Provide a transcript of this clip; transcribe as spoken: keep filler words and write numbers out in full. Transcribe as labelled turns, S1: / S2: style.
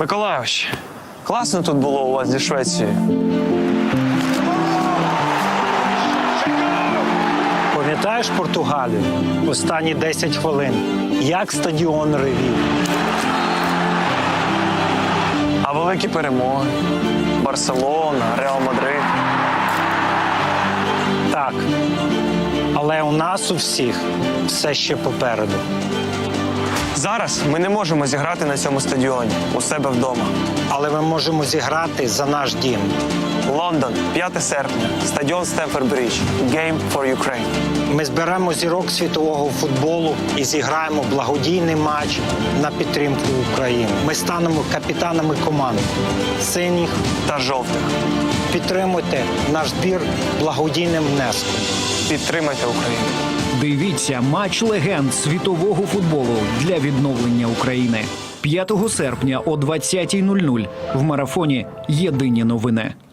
S1: Миколайович, класно тут було у вас зі Швецією.
S2: Пам'ятаєш Португалію? Останні десять хвилин. Як стадіон ревів.
S1: А великі перемоги? Барселона, Реал Мадрид.
S2: Так. Але у нас у всіх все ще попереду.
S1: Зараз ми не можемо зіграти на цьому стадіоні у себе вдома.
S2: Але ми можемо зіграти за наш дім.
S1: Лондон, п'яте серпня, стадіон Стемфорд Бридж. Game for Ukraine.
S2: Ми зберемо зірок світового футболу і зіграємо благодійний матч на підтримку України. Ми станемо капітанами команди синіх
S1: Та жовтих.
S2: Підтримуйте наш збір благодійним внеском.
S1: Підтримайте Україну.
S3: Дивіться матч легенд світового футболу для відновлення України. п'ятого серпня о двадцятій нуль нуль в марафоні «Єдині новини».